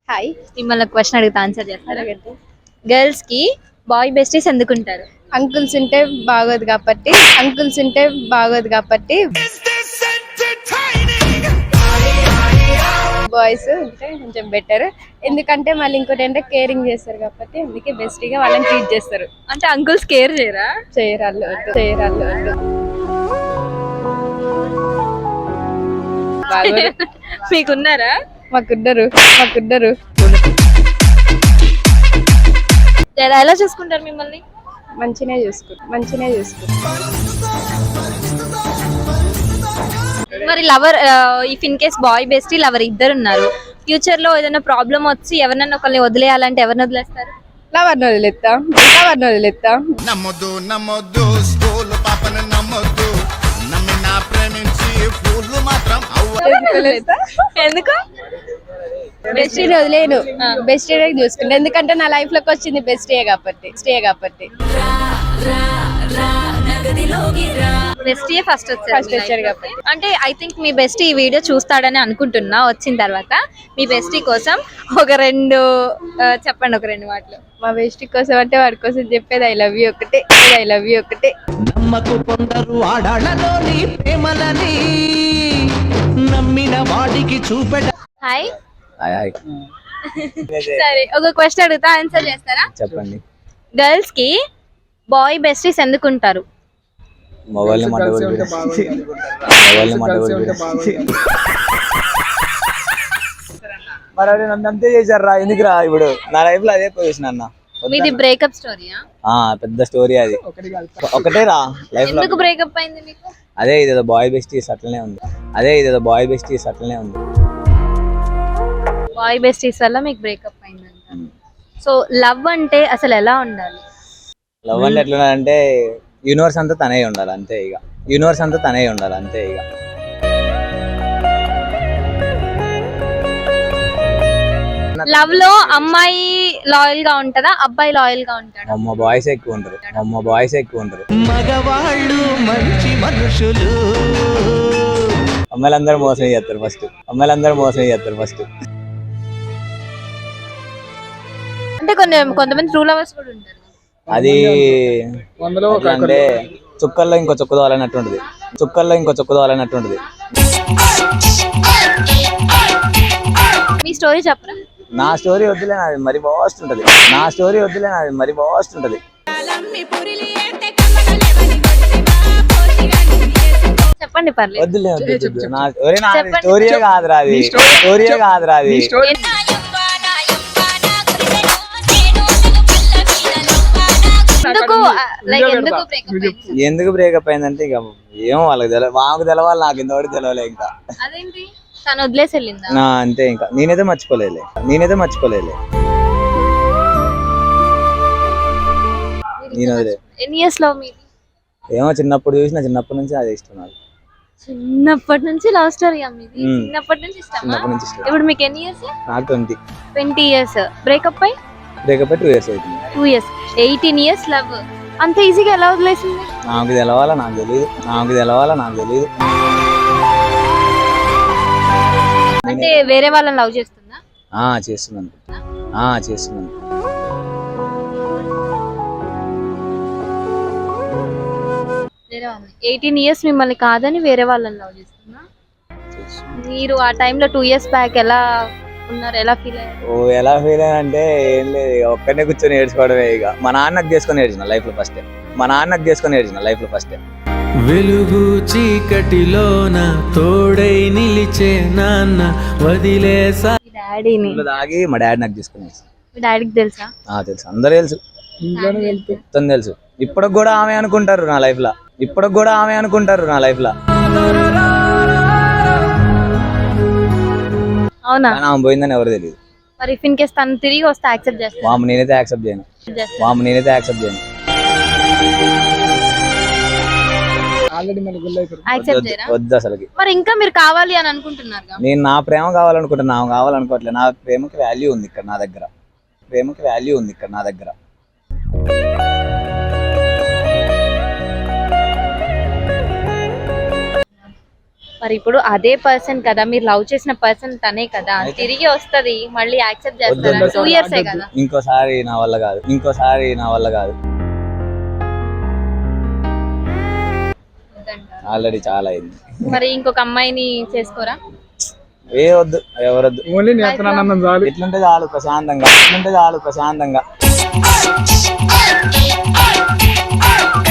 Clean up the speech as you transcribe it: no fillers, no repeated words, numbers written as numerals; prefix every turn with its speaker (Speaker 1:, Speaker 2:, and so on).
Speaker 1: Hi.
Speaker 2: మిమ్మల్ని question అడిగితే answer చేస్తారా? గర్ల్స్ కి బాయ్ బెస్టీస్ ఎందుకుంటారు?
Speaker 1: అంకుల్స్ ఉంటే బాగోదు కాబట్టి బాయ్స్ ఉంటే కొంచెం బెటర్. ఎందుకంటే మళ్ళీ ఇంకోటి ఏంటంటే కేరింగ్ చేస్తారు కాబట్టి అందుకే బెస్ట్గా వాళ్ళని ట్రీట్ చేస్తారు.
Speaker 2: అంటే అంకుల్స్ కేర్ చేయరా?
Speaker 1: చేయరాళ్ళు వద్దు. బాగోదు.
Speaker 2: మీకున్నారా?
Speaker 1: మాకుద్దరు
Speaker 2: ఎలా చూసుకుంటారు మిమ్మల్ని?
Speaker 1: మంచినే చూసుకుంటారు.
Speaker 2: మరి lover, if in case boy bestie lover ఇద్దరు ఉన్నారు, ఫ్యూచర్ లో ఏదైనా ప్రాబ్లం వచ్చి ఎవరినైనా ఒకరిని వదిలేయాలంటే ఎవరిని వదిలేస్తారు?
Speaker 1: లవర్ని వదిలేస్తాం.
Speaker 3: నమ్మొద్దు స్కూల్ పాపను నమ్మొద్దు, నమ్మినా ప్రేమించి ఫూల్ మాత్రం
Speaker 2: ఎందుకు?
Speaker 1: బెస్టీని వదిలేను, బెస్టీనే చూసుకుంటా. ఎందుకంటే నా లైఫ్ లోకి వచ్చింది బెస్టే కాబట్టి.
Speaker 2: బెస్టీ ఫస్ట్
Speaker 1: వచ్చారు కాబట్టి.
Speaker 2: అంటే ఐ థింక్ మీ బెస్టీ ఈ వీడియో చూస్తాడని అనుకుంటున్నా. వచ్చిన తర్వాత మీ బెస్టీ కోసం ఒక రెండు మాటలు.
Speaker 1: మా బెస్టీ కోసం అంటే వాడి కోసం చెప్పేది ఐ లవ్ యూ ఒకటే.
Speaker 4: నమ్మకు కొందరు ఆడాళ్ళలోని ప్రేమలని నమ్మిన వాడికి చూపెట.
Speaker 2: హాయ్. సరే, ఒక క్వశ్చన్ అడుగుతా, ఆన్సర్ చేస్తారా?
Speaker 5: చెప్పండి.
Speaker 2: గర్ల్స్ కి బాయ్ బెస్టీస్ ఎందుకుంటారు?
Speaker 5: మొబైల్ మరి నన్ను అంతే చేశారు రా. ఎందుకురా ఇప్పుడు నా లైఫ్ లో అదే పొజిషన్ అన్న.
Speaker 2: మీది బ్రేకప్ స్టోరీయా?
Speaker 5: పెద్ద స్టోరీ అది. ఒకటే రా లైఫ్ లో.
Speaker 2: ఎందుకు బ్రేకప్ అయింది మీకు?
Speaker 5: అదే ఇదేదో బాయ్ బెస్టీస్ అట్లనే ఉంది.
Speaker 2: బాయ్ బెస్టీస్ వల్ల మీకు బ్రేకప్ అయిందంట. సో లవ్ అంటే అసలు ఎలా ఉండాలి?
Speaker 5: లవ్ అంటే ఎట్లా అంటే యూనివర్స్ అంతా తనే ఉండాలి అంతే ఇక.
Speaker 2: లవ్ లో అమ్మాయి లాయల్ గా ఉంటదా, అబ్బాయి లాయల్ గా ఉంటాడా?
Speaker 5: అమ్మ బాయ్స్ ఎక్కువ ఉంటారు.
Speaker 4: మగవాళ్ళు మంచి మనుషులు.
Speaker 5: అమ్మాయిలందరూ మోసం చేస్తారు ఫస్ట్.
Speaker 2: అంటే కొంతమంది ట్రూ లవర్స్ కూడా ఉంటారు.
Speaker 5: అది అంటే చుక్కల్లో ఇంకో చుక్క తోలనట్టు ఉంటుంది.
Speaker 2: మీ స్టోరీ చెప్పరా?
Speaker 5: నా స్టోరీ వద్దులే, నాది మరి బాస్ట్ ఉంటది.
Speaker 2: చెప్పండి, పర్లేదు.
Speaker 5: వద్దులే. నా స్టోరీయే కాదురా అది. ఎందుకు బ్రేకప్ అయిందంటే ఇక ఏమో వాళ్ళకి తెలియదు, మాకు తెలవాలి, నాకు ఇంతవరకు తెలవలే ఇంకా.
Speaker 2: అదేంటి, తను వదిలేసి వెళ్ళిందా?
Speaker 5: అంతే ఇంకా. నేనైతే మర్చిపోలేదు.
Speaker 2: ఎన్ని ఇయర్స్ లవ్ మీది?
Speaker 5: ఏమో చిన్నప్పటి నుంచి అదే ఇష్టం నాకు.
Speaker 2: చిన్నప్పటి నుంచి లవ్ స్టోరీ మీది? చిన్నప్పటి నుంచి ఇష్టమా? ఇప్పుడు మీకు ఎన్ని ఇయర్స్?
Speaker 5: నాకు
Speaker 2: 20 ఇయర్స్. బ్రేకప్ అయి
Speaker 5: 2 years అవుతుంది.
Speaker 2: 2 years. 18 years love. అంత ఈజీగా ఎలా వదిలేసింది?
Speaker 5: నాకు తెలవాలా, నాకు తెలియదు.
Speaker 2: అంటే వేరే వాళ్ళని లవ్ చేస్తుందా?
Speaker 5: చేస్తున్నాను.
Speaker 2: 18 ఇయర్స్ మిమ్మల్ని కాదని వేరే వాళ్ళని లవ్ చేస్తున్నా. మీరు ఆ టైంలో 2 years బ్యాక్ ఎలా ఉన్నారు, ఎలా ఫీల్ అయ్యారు?
Speaker 5: ఎలా ఫీల్ అయ్యా అంటే ఏం లేదు, ఇక ఒక్కనే కూర్చొని ఏడ్చుకోవడమే. ఇక మా నాన్నకు చేసుకొని ఏడ్చిన లైఫ్ లో ఫస్ట్.
Speaker 4: వెలుగు చీకటిలోన తోడై నిలిచే నాన్న వదిలేసా.
Speaker 2: డాడీని
Speaker 5: దాగి మా డాడీ నాకు చేసుకుని.
Speaker 2: మీ డాడీకి తెలుసా?
Speaker 5: తెలుసు, అందరూ తెలుసు, మొత్తం తెలుసు. ఇప్పటికి కూడా ఆమె అనుకుంటారు నా లైఫ్ లో.
Speaker 2: అవునా?
Speaker 5: ఆమె పోయిందని ఎవరు తెలియదు.
Speaker 2: మరి ఇఫ్ ఇన్ కేస్ తను తిరిగి వస్తే యాక్సెప్ట్ చేస్తారా?
Speaker 5: నేనైతే యాక్సెప్ట్ చేయను. వద్దు అసలుకి.
Speaker 2: మరి ఇంకా మీరు కావాలి అని అనుకుంటున్నారు?
Speaker 5: నేను నా ప్రేమ కావాలనుకుంటున్నా, ఆమె కావాలనుకోవట్లేదు. నా ప్రేమకి వాల్యూ ఉంది ఇక్కడ నా దగ్గర.
Speaker 2: మరి ఇప్పుడు అదే పర్సన్ కదా, మీరు లవ్ చేసిన పర్సన్ తనే కదా, తిరిగి వస్తది, మళ్ళీ యాక్సెప్ట్ చేస్తారా? 2 years కదా.
Speaker 5: ఇంకోసారి నా వల్ల కాదు, ఇంకోసారి నా వల్ల కాదు. ఆల్రెడీ చాలా అయింది.
Speaker 2: మరి ఇంకొక అమ్మాయిని చేసుకోరా?
Speaker 5: ఏ వద్దు, ఎవరొద్దు. ఎట్లుంటే చాలు ప్రశాంతంగా, ఎట్లుంటే చాలు ప్రశాంతంగా.